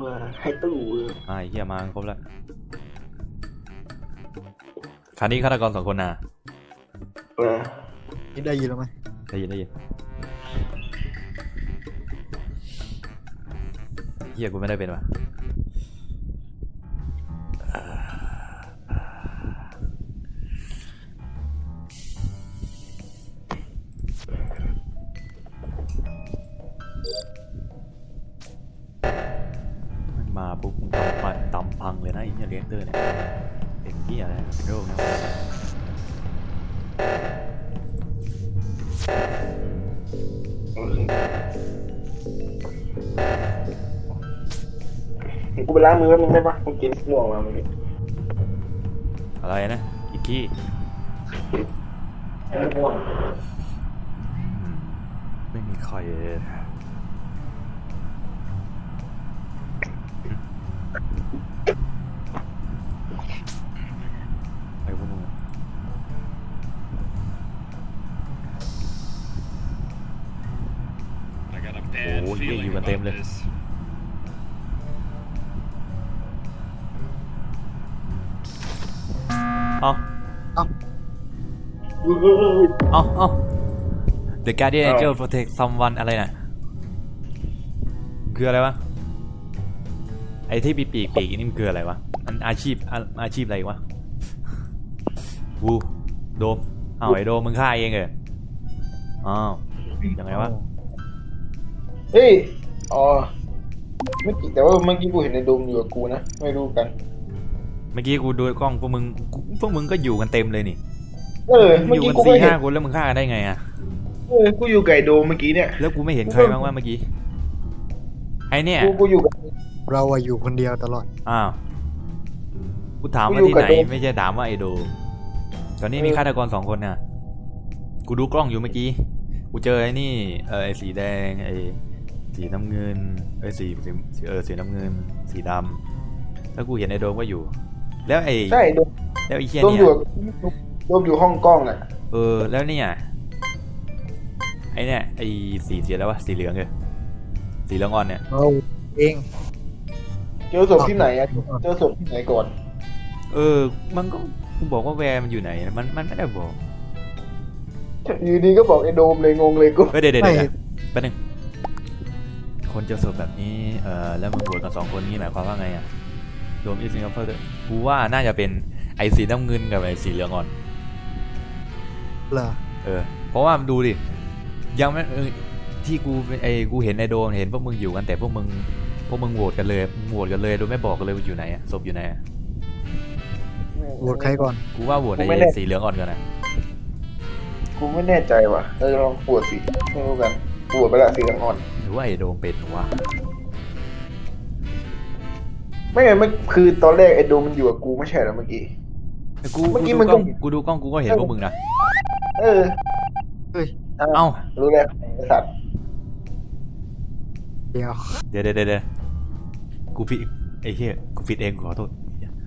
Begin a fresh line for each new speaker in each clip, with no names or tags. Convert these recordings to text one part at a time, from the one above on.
ให้ตู้
ไอ้เหี้ยมาครบแล้วคันนี้ฆาตกร2 คนน่ะ
นี่ได้ยินแล้วไหม
ได้ยินเหี้ยกูไม่ได้เป็นวะมาปุ๊บมึงทำไฟตำพังเลยนะไอ้เนี่ยเรียกเตอร์เนี่ยเป็นเหี้ยอะไรโรคนะ
กูไปล้างมือแป๊บนึงได้ปะกูกินม่วงมาเมื่อกี้
อะไรนะอีกกี้
ม่วง
ไม่มีใครไอ้พวกมึงโอ้ยอยู่กันเต็มเลยเอาThe Guardian Angel Protect Someone อะไรน่ะคืออะไรวะไอ้ที่ปีกนี่มันคืออะไรวะมันอาชีพอะไรวะวูโดมไอ้โดมมึงฆ่าเองเหรอยังไงวะ
เฮ้ยอ๋อเมื่อกี้แต่ว่าเมื่อกี้กูเห็นในโดมอยู่กับกูนะไม่รู้กัน
เมื่อกี้กูดูกล้องพวกมึงก็อยู่กันเต็มเลยนี่
เมื่อกี้
กู4-5 คนแล้วมึงฆ่ากันได้ไงอะ
กูอยู่ไก่โดมเมื่อกี้เนี่ย
แล้วกูไม่เห็นใครบ้างว่าเมื่อกี้ไอเนี่ย
กูอยู่กับ
เราอยู่คนเดียวตลอด
กูถามว่าที่ไหนไม่ใช่ถามว่าไอโดตอนนี้มีฆาตกร2 คนน่ะกูดูกล้องอยู่เมื่อกี้กูเจอไอ้นี่ไอ้สีแดงไอ้สีน้ำเงินสีน้ำเงินสีดำแล้วกูเห็นไอโดมก็อยู่แล้วไอ้
ใช่โดม
แล้วไอ้เชี่ย
เนี่ยโดมอยู่ห้องกล้องอ่ะ
แล้วเนี่ยไอเนี่ยไอสีแล้ววะสีเหลืองเลยสีเหลืองอ่อนเนี่ย
เราเอง
เจอศพที่ไหนอะเจอศพที่ไหนก่อน
มันก็กูบอกว่าแวร์มันอยู่ไหนมันไม่ได้บอก
อยู่ดีก็บอกไอโดมเลยงงเลยกู
เดี๋ยวแป๊บนึงคนเจอศพแบบนี้แล้วมึงโหวตกัน2 คนนี้หมายความว่าไงอะโดมอีสิงคโปร์กูว่าน่าจะเป็นไอสีน้ำเงินกับไอสีเหลืองอ่อน
เหรอ
เพราะว่าดูดิยังไม่ที่กูเห็นไอโดมเห็นพวกมึงอยู่กันแต่พวกมึงโหวตกันเลยโดยไม่บอกกันเลยว่าอยู่ไหนอะศพอยู่ไหนอะ
โหวตใครก่อน
กูว่าโหวตไอสีเหลืองอ่อนกันนะ
กูไม่แน่ใจว่ะลองปวดสิไม่รู้กันปวดไปละสีเหลืองอ่อน
หรือว่าไอโดมเป็นวะ
ไม่ไงมันคือตอนแรกไอโดมมันอยู่กับกูไม่ใช่หรอเมื่อกี้
กูดูกล้องกูก็เห็นพวกมึงนะ
เฮ้ยรู้แล้วไอสัตว์
เดี๋ยว
กูผิดไอ้เหี้ยกูผิดเองขอโทษ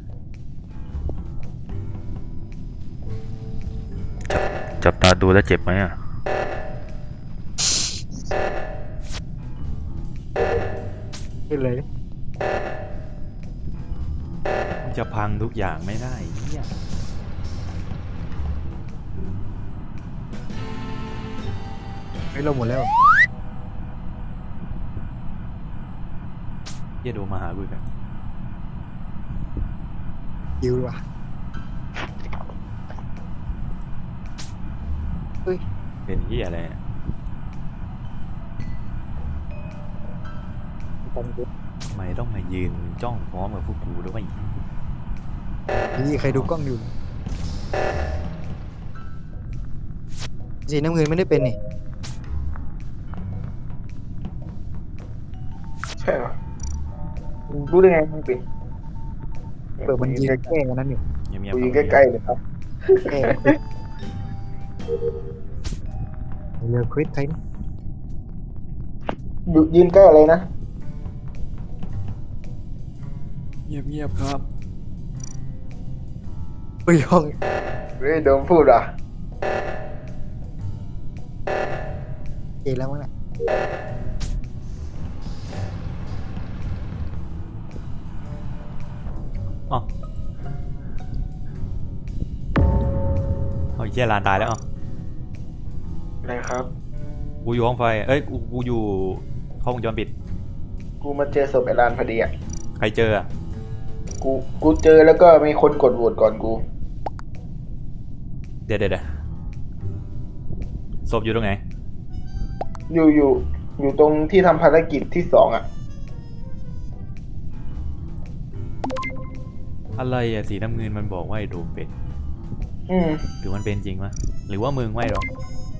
จับตาดูแล้วเจ็บไหมอ่ะ
ขึ้นเลย
มันจะพังทุกอย่างไม่ได้เนี่ย
ไม่ลงหมดแล้ว
อย่าดูมาหากูกัน
ยิวว่ะ
เป็นที่อะไรทำไมต้องมายืนจ้องพร้อมกับพวกกูด้วย
นี่ใครดูกล้องอยู่สีน้ำเงินไม่ได้เป็นนี่
ใช่หรอรู้ได้ไงมันเป็น
มันยืนใกล้ๆกันนั่นอยู่
ยืนใกล้ๆเลยครับ
เรือควิดใคร
ยืนใกล้อะไรนะ
เงียบครับ
ไปห้อง
โดนพูดอ่ะ
เจแล้วมั้งน่ะ
อ๋อเอาไอ้เหี้ยลานตายแล้วอ๋อ
อะไรครับ
กูอยู่ห้องไฟเอ้ยกูอยู่ห้องวงจรปิด
กูมาเจอศพไอ้ลานพอดีอ่ะ
ใครเจออ่ะ
กูเจอแล้วก็มีคนกดโหวตก่อนกู
เดี๋ยวศพอยู่ตรงไหน
อยู่ตรงที่ทำภารกิจที่2อ่ะ
อะไรอ่ะสีน้ำเงินมันบอกว่าไอ้โดมเป็น
อืม
หรือมันเป็นจริงวะหรือว่ามึงไม่หรอก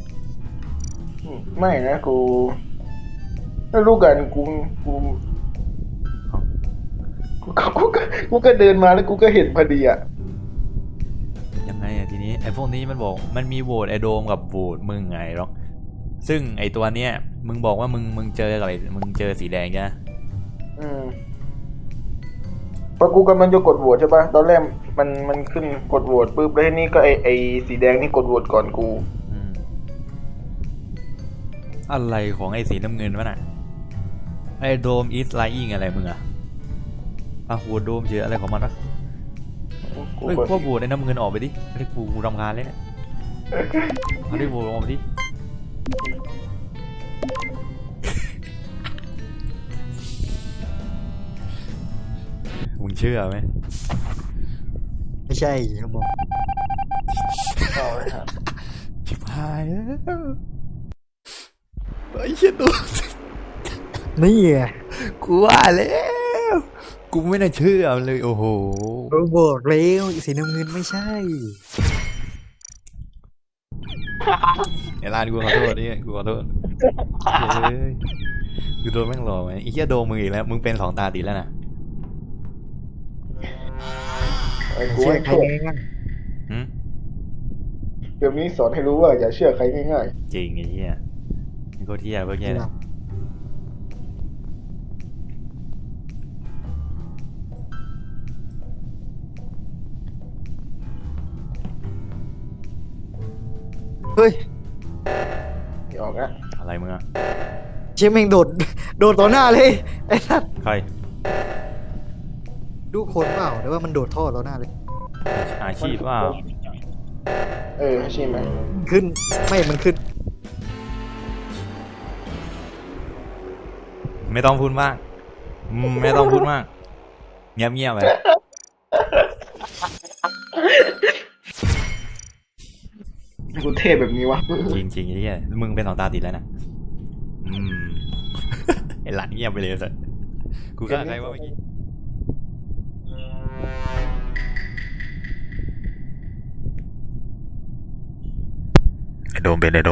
ไม่นะกูไม่รู้กันกูก็เดินมาแล้วกูก็เห็นพอดีอ่ะ
ยังไงอ่ะทีนี้ไอ้พวกนี้มันบอกมันมีโหวตไอ้โดมกับโหวตมึงไงหรอกซึ่งไอ้ตัวเนี้ยมึงบอกว่ามึงเจอกับไอ้มึงเจอสีแดงใช่ไหม
อืมพอกูกำลังจะกดโหวตใช่ปะตอนแรกมันขึ้นกดโหวตปุ๊บแล้วทีนี้ก็ไอสีแดงนี่กดโหวตก่อนกู
อืมอะไรของไอ้สีน้ำเงินวะน่ะไอ้โดมอีสไลอิงอะไรมึงอ่ะโหวตโดมเจออะไรของมันวะ
กู
เฮ้ย
กด
พวกโหวตไอ้น้ำเงินออกไปดิไอ้กูรำคาญเลยเนี่ยเอาดิโหวตออกไปดิมึงเชื่อไหม
ไม่ใช่ครับผม
เอาเลยครับ
ชิบหายแล้วไอ้เชี่ยตัว
นี่ไง
กูว่าแล้วกูไม่น่าเชื่อมันเลยโอ้โห
โรบอกแล้วสีน้ำเงินไม่ใช่
ไอ้ลานกูขอโทษนี่กูขอโทษเฮ้ยกูโดนแม่งหลอกไหมไอ้เหี้ยโดนมึงอีกแล้วมึงเป็น2 ตาติดแล้วนะ
ไอ้กู
เชื่อ
ให้
ใคร
โทษ
ง่าย
หืม
เดี๋ยวนี้สอนให้รู้ว่าอย่าเชื่อใครง่าย
จริงไอ้เหี้ยมึงโคตรเหี้ยพวก
ๆ
เหี้ยเลย
เฮ้ย
ๆไม่ออกนะ
อะไรมึงอะ
เชี่ยแม่งโดดต่อหน้าเลยไอ้สัส
ใคร
ดูคนเปล่าแต่ว่ามันโดดท่อต่อหน้าเลย
อาชีพว่า
ใช่ไหม
ขึ้นไม่มันขึ้น
ไม่ต้องพูดมากไม่ต้องพูดมากเงียบๆไป
กูเทพแบบนี้วะ
จริงๆไอ้เหี้ยมึงเป็น2 ตาติดแล้วนะไอ้หลานเงียบไปเลยสัสกูฆ่าใครวะเมื่อกี้ไอ้โดมเป็น
กู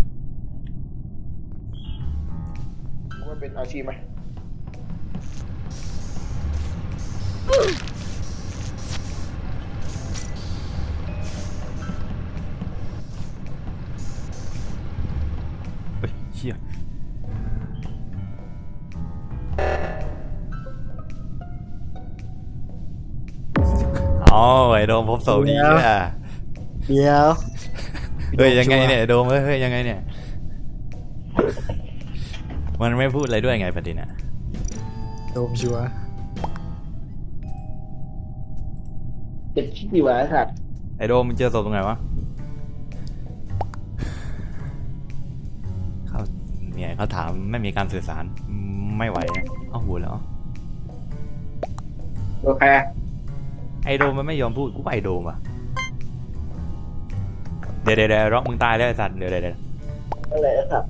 ว่าเป็นอาชีพไหม
เฮ้ยเชี่ยอ๋อไอ้โดมพบศพดีอ่ะ
เดี๋ยว
เฮ้ยยังไงเนี่ยไอ้โดมเฮ้ยยังไงเนี่ยมันไม่พูดอะไรด้วยไงประเด็นอ่ะ
โดมชัวร์
เป็นชิบดีวะไอ้สัตว์
ไอ้โดมมึงเจอศพตรงไหนวะเขาเนี่ยเขาถามไม่มีการสื่อสารไม่ไหวอะเอาหัวแล้ว
โอเค
ไอโดมมันไม่ยอมพูดกูไปไอโดมอ่ะเดี๋ยวร็อกมึงตายแล้วไอสัตว์เดี๋ยว
อะไรไอ้สัตว์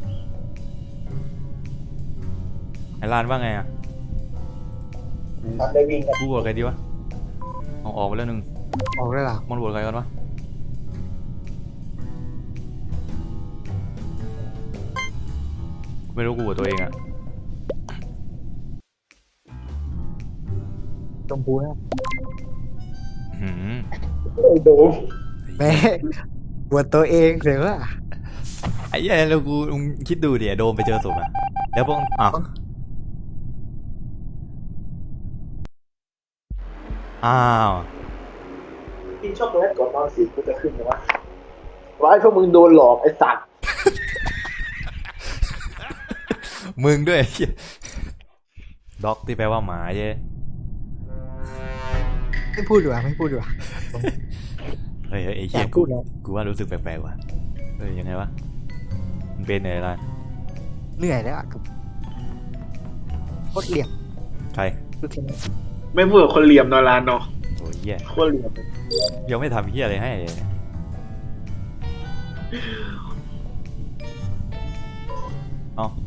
ไอลานว่าไงอ่ะ
ทำได้วิ่งกัน
กูบวชใครดีวะเอาออกไปแล้วหนึ่ง
ออกได้หรอ
มันบวชใครกันวะไม่รู้กูบวชตัวเองอ่ะ
ชมพูนะ
หืม
ไอ้โดม
แม่บวชตัวเองเสียว่า
ไอ้เหี้ยแล้วกูมึงคิดดูดิไอ้โดมไปเจอศพอ่ะแล้วพวกอ้าว
กินช็อกโกแลตก่อนนอนสิกูจะขึ้นนะวะร้ายพวกมึงโดนหลอกไอ้สัตว์
มึงด้วยไอ้เหี้ยด็อกที่แปลว่าหมาเย้
ไม่พูดดีกว่าไม่พูดดีกว่า
เฮ้ยไอ้
อ
เหี้
ยาย ก
กู
พูดแล้ว
กูว่ารู้สึกแปลกๆว่ะเฮ้ยยังไงวะมันเป็นอะไรล่ะ
เหนื่อยแล้วอ่ะกับโคตรเหลี่ยม
ใคร
คือทีนี้
ไม่พูดกับคนเหลี่ยมนอนร้านเนาะ
โอ้ยเหี้ย
โคตรเหลี่ยม
ยังไม่ทำเหี้ยอะไรให้เลยเอ้า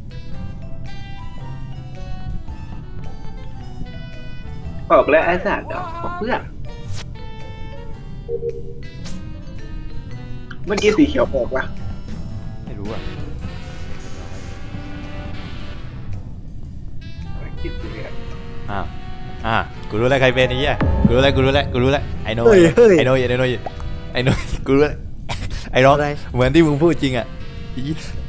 ออกแล้วไอ้สัตว์บอกเพื่อนเมื่อกี้สีเขียวออกปะ
ไม่รู้อ่ะ
คิดดูเนี่ย
กูรู้แล้วใครเป็นไอ้เหี้ยกูรู้แล้วไอ้โน่
เฮ้ยเฮ้ย
ไอ้โน่กูรู้แล้วไอ้น้อง
อะไร
เหมือนที่มึงพูดจริงอ่ะอี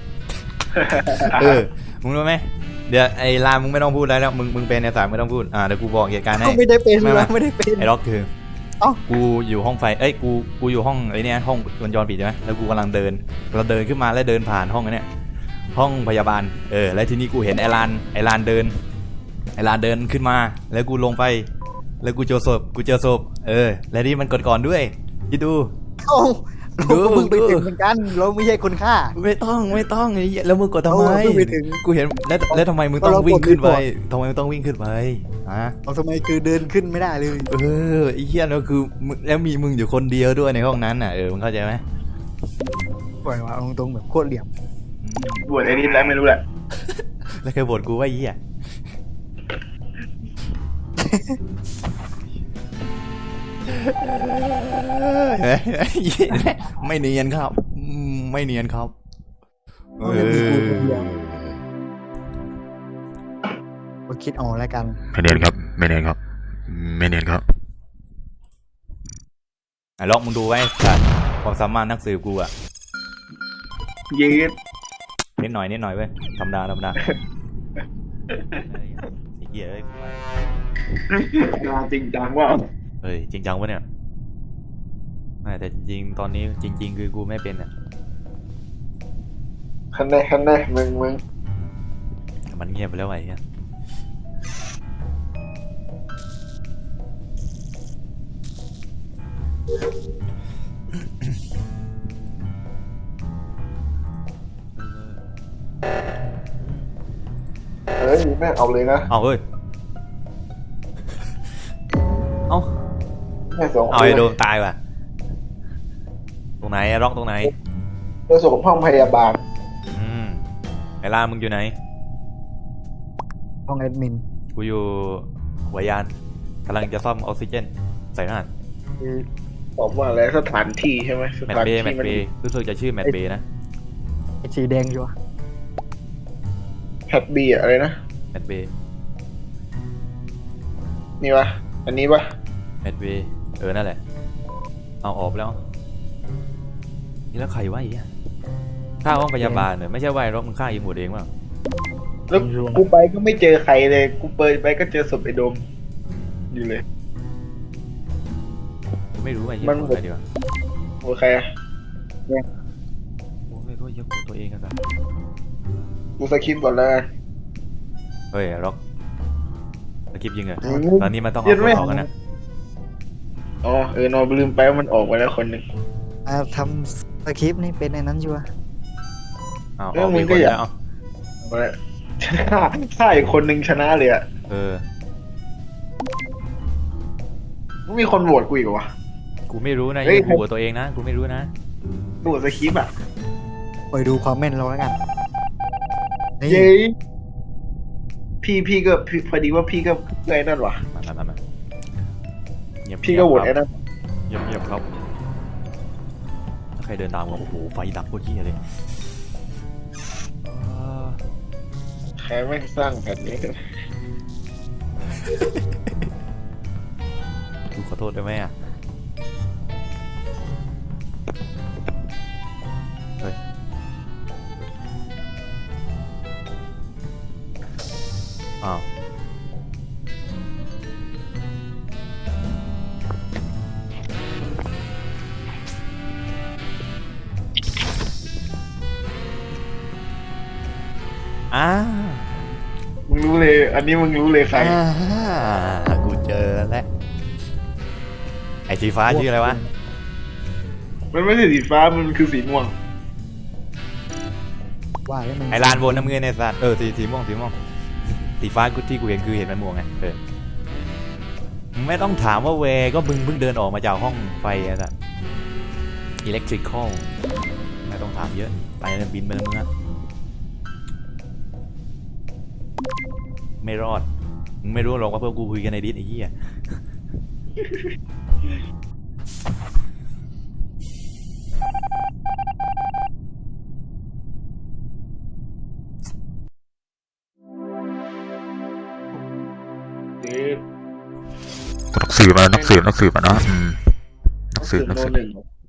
มึงรู้ไหมเดี๋ยวไอ้ลามึงไม่ต้องพูดแล้วมึงเป็นไอ้สามไม่ต้องพูดเดี๋ยวกูบอกเหตุการณ์ให้
เขาไม่ได้เป็น
ไม่
วะไม่ได้เป็น
ไอ้ล็อกคือ
เอ้า
กูอยู่ห้องไฟกูอยู่ห้องไอ้เนี่ยห้องวงจรปิดใช่ไหมแล้วกูกำลังเดินขึ้นมาแล้วเดินผ่านห้องไอ้เนี่ยห้องพยาบาลแล้วทีนี้กูเห็นไอ้ลานเดินขึ้นมาแล้วกูลงไปแล้วกูเจอศพแล้วนี่มันกดก่อนด้วยคิดดู
เอ้า
ดู
เราเพิ่งไป
ดู
ถึงเหมือนกันเราไม่ใช่คนฆ่า
ไม่ต้องไอ้เหี้ยแล้วมึงกดทำไม
เพิ่งไปถึง
กูเห็นแล้วทำไมมึงต้อง
เรากด
วิ่งขึ้นไป
ก่อน
ทำไมมึงต้องวิ่งขึ้นไปฮะ
เอาทำไมคือเดินขึ้นไม่ได้เลย
ไอ้เหี้ยแล้วคือแล้วมีมึงอยู่คนเดียวด้วยในห้องนั้นน่ะมึงเข้าใจไหม
ปล่อยมาตรงๆแบบโคตรเหลี่ยม
บวชไอ้นี่แล้วไม่รู้แหละ
แล้วเคยบ่นกูว่าไอ้เหี้ยไม่เนียนครับไม่เนียนครับ
มาคิดเอาแล้วกัน
ไม่เนียนครับไอ้ล็อกมึงดูไว้สัตว์ความสามารถนักสืบกูอะ
ยืด
นิดหน่อยเว้ยธรรมดาไอ้เหี้ยกูไป
งานจริงจังว่า
เฮ้ยจริงจังวะเนี่ยไม่แต่จริงๆตอนนี้จริง ๆ คือกูไม่เป็นอ่ะ
คันแน่มึง
มันเงียบไปแล้วไอ้เหี้ย
เฮ้ยแม่เอาเลยนะ
เอาเฮ้ยเอา
แม่ส่ง
เอาไอ้โดมตายว่ะตรงไหนอะล็อกตรงไหน
เพื่อส่งห้องพยาบาล
ไอ้ล่ามึงอยู่ไหน
ห้องแอดมิน
กูอยู่หัวยานกำลังจะซ่อมออกซิเจนใส่หน้า
บอกว่าอะไรสถานที่ใช่ไหมส
แมต
ถาน
เบ
ที่
ย์
มัน
รู้สึกจะชื่อแมตเบย์นะ
ไอ้สีแดงอยู่วะ
แพทบีอะไรนะ
แมตเบย์
นี่วะอันนี้ปะ
แมตเบย์นั่นแหละเอาออกแล้วนี่แล้วใครวะไอ้เหี้ยฆ่าห้องพยาบาลเนี่ยไม่ใช่ว่าไอ้ล็อกมึงฆ่าอีหมดเองมั้ง
แล้วกูไปก็ไม่เจอใครเลยกูเปิดไปก็เจอศพไอ้โดมอยู่เลย
กูไม่รู้ไอ้เหี้ย
มัน
โกรธใครดีวะ
โอเคอะ
โอ้ยโทษเหี้ยโกรธตัวเองกันซะ
กูสคริปต์ก่อนแล้วกัน
เฮ้ยล็อกสกิปยิงเหรอ
อืม
ตอนนี้มันต้อง
เย็
เอา
น
ค
ไหม
นออกกันนะ
อ๋อนอนลืมไปว่ามันออกไปแล้วคนหนึ่ง
ทำสคริปต์นี่เป็นไอ้นั้นอยู่วะ
เอา
เอ
อ
อ
อก
มึ
มี
ง
ค
ก็
น
อย่า
แล้วเอา
เอาละฆ่าอีกคนหนึ่งชนะเลยอะ
เออ
ไม่มีคนโหวตกูอีกเหรอวะ
กูไม่รู้นะ
เฮ้ย
อย่าขู่ตัวเองนะกูไม่รู้นะ
โหวตสคริปต์อะ
ไปดูความแม่นเราแล้วกันนี่
เย้พี่ก็พอดีว่าพี่ก็ไอ้นั่นวะ
มาเงียบ
พี่ก็โหวต
ค
ไอ้
รับ
นั่น
เงียบครับถ้าใครเดินตามกูโอ้โหไฟดับโคตรเหี้ยเลย
ใครไม่งสร้างแผ่นนี้
กูขอโทษได้ไหมอ่ะเฮ้ยอ้าว
มึงรู้เลย อันนี้มึงรู้เลยใคร
กูเจอแล้วอ้สีฟ้าชื่ออะไรวะ
มันไม่ใช่สีฟ้ามันคือสีม่วง
ว่าแล้วมัน
ไอ้ลานบนน้ำเงินในสัตว์สีม่วงสีฟ้ากูที่กูเห็นคือเห็นมันม่วงไงมึงไม่ต้องถามว่าเวก็มึงเพิ่งเดินออกมาจากห้องไฟอะสัตว์อิเล็กทริคอลไม่ต้องถามเยอะไปแล้วบินไปแล้วมึงอะไม่รอดมึงไม่รู้หรอกว่าเพื่อนกูคุยกันในดิสไอ้เหี้ย
เอ๊ะ
นักสืบมานะนักสืบนะนักสืบ
โดนหนึ่ง